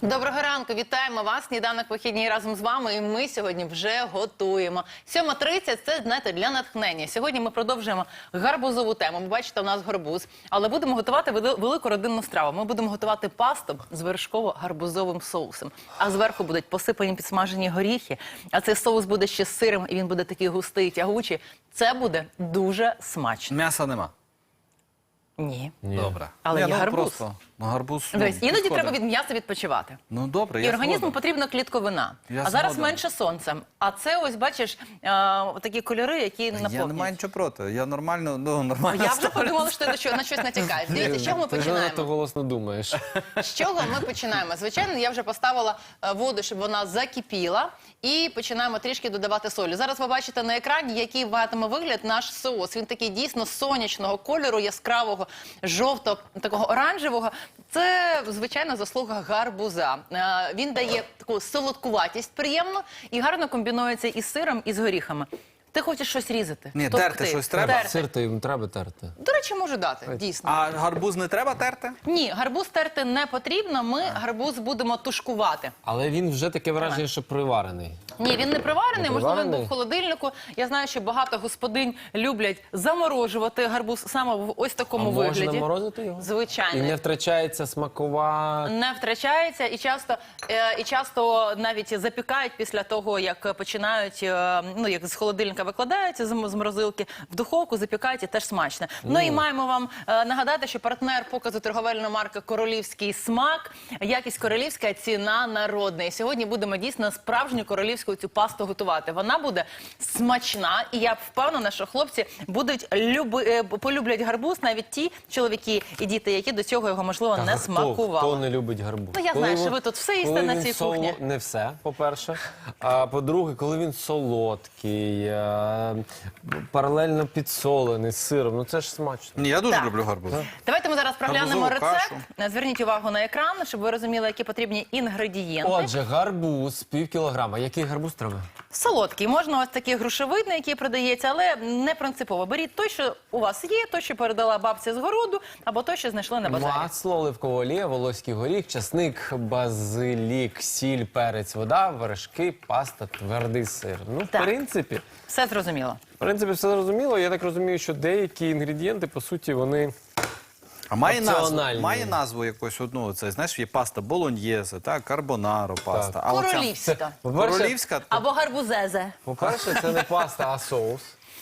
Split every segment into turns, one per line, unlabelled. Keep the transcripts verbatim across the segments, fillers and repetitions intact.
Доброго ранку, вітаємо вас. Сніданок вихідній разом з вами. І ми сьогодні вже готуємо. сьома тридцять – це, знаєте, для натхнення. Сьогодні ми продовжуємо гарбузову тему. Ви бачите, у нас гарбуз. Але будемо готувати велику родинну страву. Ми будемо готувати пасту з вершково-гарбузовим соусом. А зверху будуть посипані підсмажені горіхи. А цей соус буде ще з сиром, і він буде такий густий, тягучий. Це буде дуже смачно.
М'яса нема?
Ні.
Ні. Добре.
Але
Ні,
є
ну,
гарбуз.
Просто, ну, гарбуз, ну,
Дивись, іноді
підходить.
треба від м'яса відпочивати.
Ну, добре,
І
я
організму
згоден.
потрібна клітковина.
Я
а зараз
згоден.
менше сонця. А це ось, бачиш, е, такі кольори, які наповнюють.
Я не маю нічого проти. Я нормально, ну, нормально
Я вже
ставлюсь.
подумала, що ти на що- на щось натякаєш. Дивіться, з чого ми
Ти занадто
починаємо?
голосно думаєш.
З чого ми починаємо? Звичайно, я вже поставила е, воду, щоб вона закипіла. І починаємо трішки додавати солі. Зараз ви бачите на екрані, який матиме вигляд наш соус. Він такий дійсно сонячного кольору, яскравого, жовтого, такого оранжевого. Це, звичайно, заслуга гарбуза. Е, Він дає таку солодкуватість приємну і гарно комбінується із сиром, і з горіхами. Ти хочеш щось різати?
Ні,
Товкти,
терти щось треба?
терти.
Сир то їм треба терти.
До речі, можу дати, дійсно.
А гарбуз не треба терти?
Ні, гарбуз терти не потрібно, ми гарбуз будемо тушкувати.
Але він вже таке враження, що приварений.
Ні, він не приварений,
Не
можливо, він
приварений?
був в холодильнику. Я знаю, що багато господинь люблять заморожувати гарбуз саме в ось такому
А
вигляді.
можна морозити його?
Звичайно.
І не втрачається смакова...
Не втрачається і часто, е, і часто навіть запікають після того, як починають, е, ну, як з холодильника викладаються з з морозилки, в духовку запікають і теж смачно. Ну і маємо вам е, нагадати, що партнер показу торговельної марки «Королівський смак», якість королівська, ціна народна. І сьогодні будемо дійсно справжню королівську цю пасту готувати. Вона буде смачна, і я впевнена, що хлопці будуть люби, е, полюблять гарбуз, навіть ті чоловіки і діти, які до цього його, можливо,
Та
не
хто,
смакували.
Хто не любить гарбуз?
Ну, я
Коли
знаю, що
він-
ви тут все їсте
коли
на
він
цій
соло-
кухні.
Не все, по-перше. А по-друге, коли він солодкий, е, паралельно підсолений з сиром, ну це ж смачно.
Ні, я дуже
Так.
люблю гарбуз.
Давайте ми зараз проглянемо
Гарбузову
рецепт. Зверніть увагу на екран, щоб ви розуміли, які потрібні інгредієнти.
Отже, гарбуз, пів кілограма. Який гарбуз треба?
Солодкий. Можна ось такий грушевидний, який продається, але не принципово. Беріть той, що у вас є, той, що передала бабця з городу, або той, що знайшли на базарі.
Масло, оливкова олія, волоський горіх, часник, базилік, сіль, перець, вода, вершки, паста, твердий сир. Ну, в
Так.
принципі,
Все зрозуміло.
в принципі, все зрозуміло. Я так розумію, що деякі інгредієнти, по суті, вони...
А має назву,
Опціональні.
має назву якусь одну, це, знаєш, є паста болоньєзе, так, карбонаро паста. А оця
Королівська.
По-перше,
королівська, то-
Або гарбузезе.
по-перше, це не паста, а соус.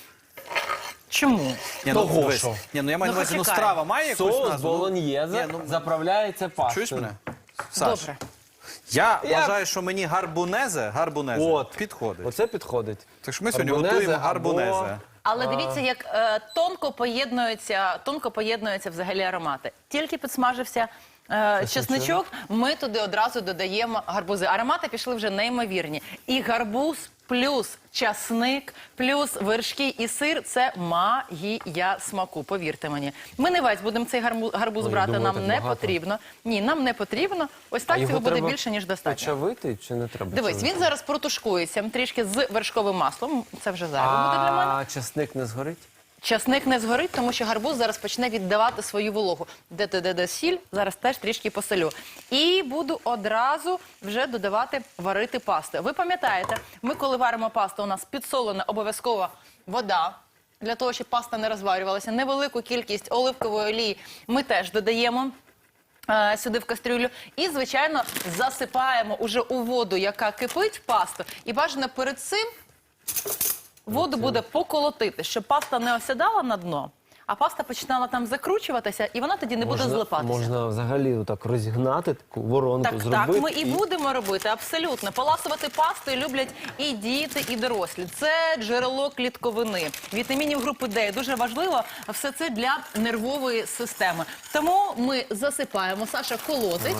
Чому?
Ні, ну,
Того,
дивись.
що?
Ні, ну я маю
Ну,
на увазі, ну,
почекай.
страва має якусь
Соус
назву? Ну,
болоньєзе
ні, ну,
заправляється пастою.
Чуєш мене? Саш,
Добре.
я
Я-
вважаю, що мені гарбунезе, гарбунезе
От.
підходить.
Оце підходить.
Так що ми сьогодні
Гарбунезе
готуємо
або-
гарбунезе.
Але дивіться, як е, тонко поєднуються, тонко поєднуються взагалі аромати. Тільки підсмажився е, чесничок, ми туди одразу додаємо гарбузи. Аромати пішли вже неймовірні. І гарбуз плюс часник, плюс вершки і сир – це магія смаку, повірте мені. Ми не весь будемо цей гарбуз, гарбуз
Ой,
брати,
думаю,
нам
так
не
багато.
потрібно. Ні, нам не потрібно. Ось так
А його
цього буде
треба
більше, ніж достатньо.
Почавити чи не треба?
Дивись,
чавити?
він зараз протушкується трішки з вершковим маслом. Це вже зайве буде для мене.
А часник не згорить?
Часник не згорить, тому що гарбуз зараз почне віддавати свою вологу. Де-де-де сіль, зараз теж трішки посолю. І буду одразу вже додавати, варити пасту. Ви пам'ятаєте, ми коли варимо пасту, у нас підсолена обов'язково вода, для того, щоб паста не розварювалася. Невелику кількість оливкової олії ми теж додаємо е, сюди в кастрюлю. І, звичайно, засипаємо уже у воду, яка кипить, пасту. І бажано перед цим воду буде поколотити, щоб паста не осідала на дно, а паста починала там закручуватися, і вона тоді не буде злипатися.
Можна взагалі так розігнати, таку воронку
Так,
зробити.
так, ми і будемо робити, абсолютно. Поласувати пастою люблять і діти, і дорослі. Це джерело клітковини, вітамінів групи Д. Дуже важливо все це для нервової системи. Тому ми засипаємо, Саша колотить.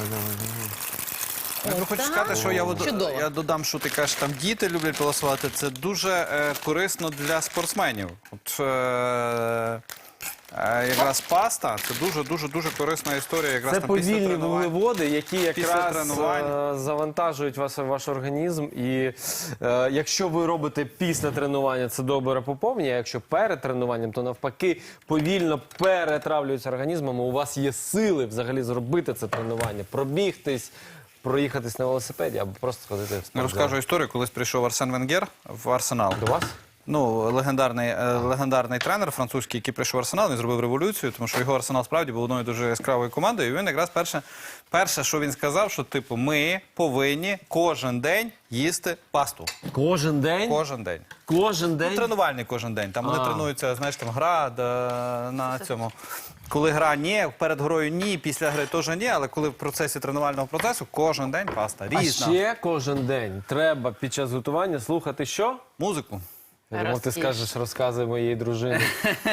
Я
От
хочу
так.
сказати, що я, от-
Чудово.
я додам, що ти кажеш, там діти люблять полосувати. Це дуже е, корисно для спортсменів. От, е, Е, Якраз паста – це дуже-дуже-дуже корисна історія. Якраз
Це
там після
повільні
тренувань.
вуглеводи, які
Після
якраз
тренувань.
е, завантажують вас, ваш організм. І е, якщо ви робите після тренування, це добре поповнює. А якщо перед тренуванням, то навпаки повільно перетравлюється організмом. І у вас є сили взагалі зробити це тренування, пробігтись, проїхатись на велосипеді або просто сходити в спортзал.
Розкажу історію, колись прийшов Арсен Венгер в Арсенал.
До вас?
Ну, легендарний, е, легендарний тренер французький, який прийшов в Арсенал, він зробив революцію, тому що його Арсенал справді був одною дуже яскравою командою. І він якраз перше, перше, що він сказав, що типу ми повинні кожен день їсти пасту.
Кожен день?
Кожен день.
Кожен
Ну,
день?
тренувальний кожен день. Там вони
А.
тренуються, знаєш, там гра да, на цьому. Коли гра ні, перед грою ні, після гри теж ні, але коли в процесі тренувального процесу кожен день паста.
А
Різна.
ще кожен день треба під час готування слухати що?
Музику.
Я думав, ти
Ростіж.
скажеш розкази моєї дружини.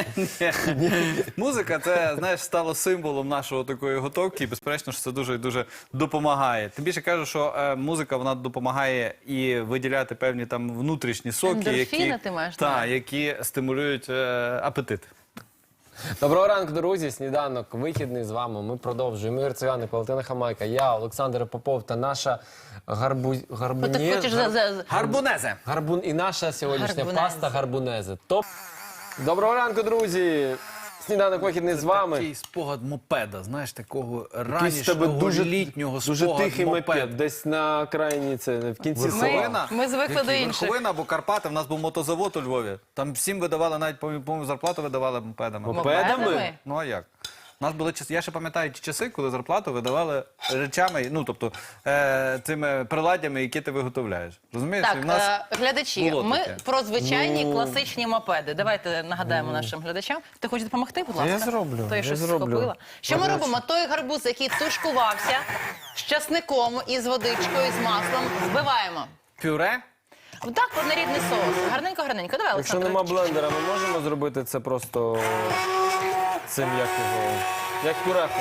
Музика, це, знаєш, стало символом нашого такої готовки, і безперечно, що це дуже і дуже допомагає. Тим більше кажу, що е, музика, вона допомагає і виділяти певні там внутрішні соки,
Ендорфіни
які,
ти маєш,
та,
так.
які стимулюють е, апетит.
Доброго ранку, друзі. Сніданок вихідний з вами. Ми продовжуємо. Ігор Циганик, Валентина Хамайка, я, Олександр Попов та наша гарбу...
Ну,
гарбуні...
ти хочеш за, за, за-
Гарбунезе!
Гарбун... І наша сьогоднішня
Гарбунези.
паста гарбунези. Топ. Доброго ранку, друзі. Сніданок вихідний з вами.
Такий спогад мопеда, знаєш, такого
Якийсь в тебе
ранішнього
дуже,
літнього
дуже
спогад
тихий мопед. Десь на крайній, це, в кінці села.
Верховина.
Ми звикли
Який?
до інших.
Верховина або Карпати. У нас був мотозавод у Львові. Там всім видавали, навіть, по-моєму, зарплату видавали мопедами.
Мопедами?
Ну а як? У нас були часи, я ще пам'ятаю ті часи, коли зарплату видавали речами, ну тобто е, цими приладдями, які ти виготовляєш. Розумієш?
Так,
І в нас
е, глядачі,
було
ми
таке.
про звичайні
Ну.
класичні мопеди. Давайте нагадаємо нашим глядачам. Ти хочеш допомогти, будь ласка?
Я зроблю,
То я
я
щось
зроблю.
схопила. Що ми
Гаряче.
робимо? Той гарбуз, який тушкувався з часником і з водичкою, з маслом, збиваємо.
пюре.
Так, однорідний соус. Гарненько-гарненько. Давай,
Якщо
Олександр.
нема блендера, ми можемо зробити це просто цим як його. Як пюреху.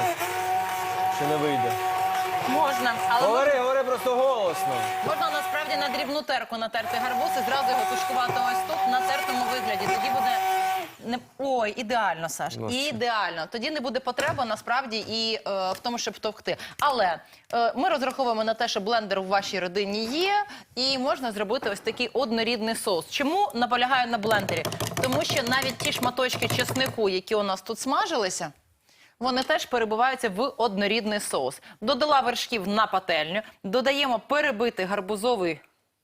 Чи не вийде?
Можна, але
Говори, говори просто голосно.
можна насправді на дрібну терку натерти гарбуз і зразу його тушкувати ось тут на тертому вигляді. Тоді буде не ой, ідеально, Саш.
Ну, що?
Ідеально. Тоді не буде потреби насправді і е, в тому, щоб товкти. Але е, ми розраховуємо на те, що блендер у вашій родині є, і можна зробити ось такий однорідний соус. Чому наполягаю на блендері? Тому що навіть ті шматочки чеснику, які у нас тут смажилися, вони теж перебиваються в однорідний соус. Додала вершків на пательню, додаємо перебитий гарбузовий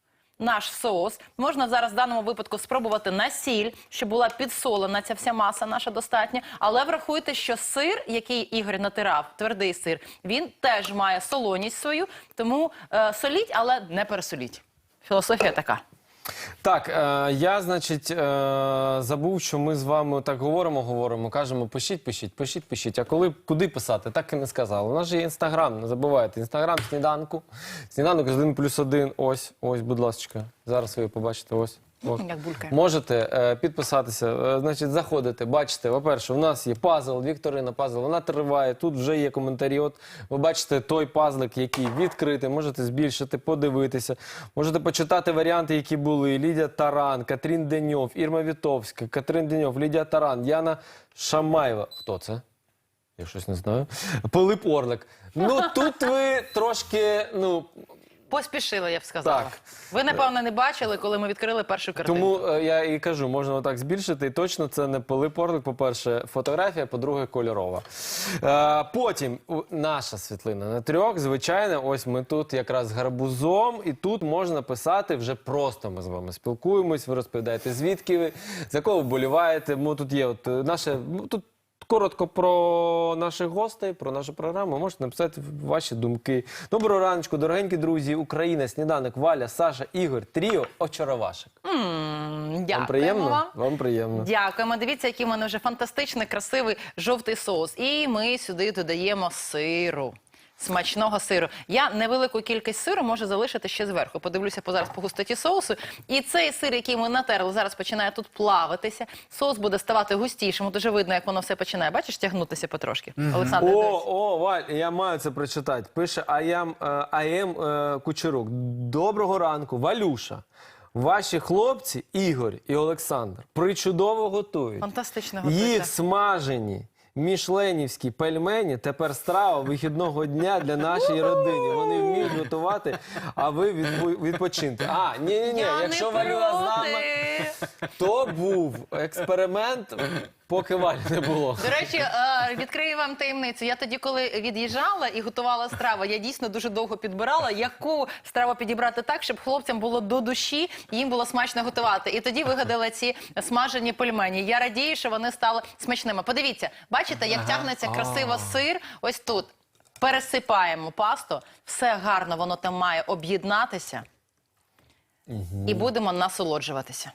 наш соус. Можна зараз в даному випадку спробувати на сіль, щоб була підсолена ця вся маса наша достатня. Але врахуйте, що сир, який Ігор натирав, твердий сир, він теж має солоність свою, тому е, соліть, але не пересоліть. Філософія така.
Так, е, я, значить, е, забув, що ми з вами так говоримо, говоримо, кажемо, пишіть, пишіть, пишіть, пишіть. А коли, куди писати, так і не сказали. У нас же є інстаграм, не забувайте. Інстаграм сніданку. Сніданок з один плюс один, ось, ось, будь ласка. Зараз ви побачите, ось. Ось.
Як булькає.
Можете е, підписатися, е, значить, заходите, бачите, по-перше, у нас є пазл, Вікторина пазл, вона триває, тут вже є коментарі, от ви бачите той пазлик, який відкритий, можете збільшити, подивитися, можете почитати варіанти, які були, Лідія Таран, Катрін Деньов, Ірма Вітовська, Катрин Деньов, Лідія Таран, Яна Шамаєва, хто це? Я щось не знаю. Пилип Орлик. Ну, тут ви трошки, ну,
Поспішила, я б сказала.
Так.
Ви, напевно, не бачили, коли ми відкрили першу картинку.
тому е, я і кажу, можна отак збільшити, і точно це не Пилип Орлик, по-перше, фотографія, по-друге, кольорова. Е, потім у- наша світлина на трьох, звичайно, ось ми тут якраз з гарбузом, і тут можна писати вже просто ми з вами спілкуємось, ви розповідаєте, звідки ви, за кого вболіваєте. Ми тут є от е, наше, ну, тут коротко про наших гостей, про нашу програму. Можете написати ваші думки. Доброго раночку, дорогенькі друзі, Україна, Сніданок, Валя, Саша, Ігор, Тріо, Очаровашек.
М, Дякуємо
Вам приємно?
вам.
Вам приємно.
Дякуємо. Дивіться, який в мене вже фантастичний, красивий жовтий соус. І ми сюди додаємо сиру. Смачного сиру. Я невелику кількість сиру можу залишити ще зверху. Подивлюся по зараз по густоті соусу. І цей сир, який ми натерли, зараз починає тут плавитися. Соус буде ставати густішим. Дуже видно, як воно все починає. Бачиш, тягнутися потрошки. Олександр, дивись.
О, о, Валь, я маю це прочитати. Пише Аям, е, Аєм е, Кучерук. Доброго ранку, Валюша. Ваші хлопці, Ігор і Олександр, причудово готують.
Фантастично готується.
Їх смажені мішленівські пельмені тепер страва вихідного дня для нашої родини. Вони вміють готувати, а ви відпо- відпочиньте. А, ні-ні-ні,
Я
якщо
не
Валюра з нами,
проти.
то був експеримент поки Валі не було.
До речі, е, відкрию вам таємницю. Я тоді, коли від'їжджала і готувала страву, я дійсно дуже довго підбирала, яку страву підібрати так, щоб хлопцям було до душі, і їм було смачно готувати. І тоді вигадала ці смажені пельмені. Я радію, що вони стали смачними. Подивіться, бачите, як тягнеться красиво сир ось тут. Пересипаємо пасту, все гарно, воно там має об'єднатися. І будемо насолоджуватися.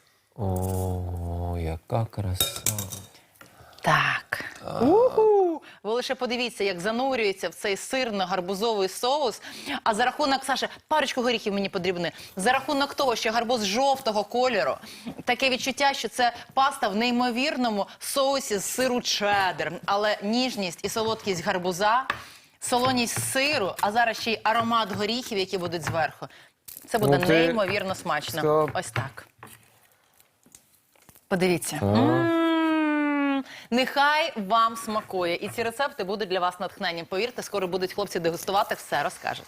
О, яка краса.
Так. Уху! Ви лише подивіться, як занурюється в цей сирно-гарбузовий соус. А за рахунок, Саша, парочку горіхів мені потрібні. За рахунок того, що гарбуз жовтого кольору, таке відчуття, що це паста в неймовірному соусі з сиру чеддер. Але ніжність і солодкість гарбуза, солоність сиру, а зараз ще й аромат горіхів, які будуть зверху. Це буде
Ну, ти
неймовірно смачно.
сказала-
Ось так. Подивіться. М-м-м. Нехай вам смакує. І ці рецепти будуть для вас натхненням. Повірте, скоро будуть хлопці дегустувати, все розкажуть.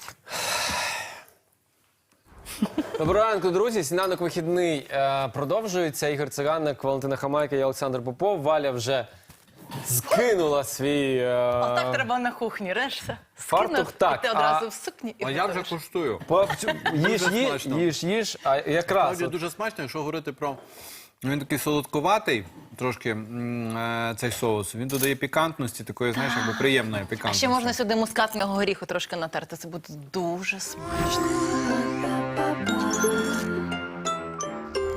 Доброго ранку, друзі. Сніданок вихідний е, продовжується. Ігор Циганик, Валентина Хамайка і Олександр Попов. Валя вже скинула свій е,
Отак треба на кухні, решта.
фартух, так,
і ти одразу
а-
в сукні. І
А я вже
готуєш.
куштую.
по- їж,
Дуже
їж,
смачно.
їж, їж, а якраз
Справді
от,
дуже смачно, якщо говорити про... Він такий солодкуватий, трошки м, е, цей соус. Він додає пікантності, такої, знаєш, якби приємної
А
пікантності.
ще можна сюди мускатного горіху трошки натерти. Це буде дуже смачно.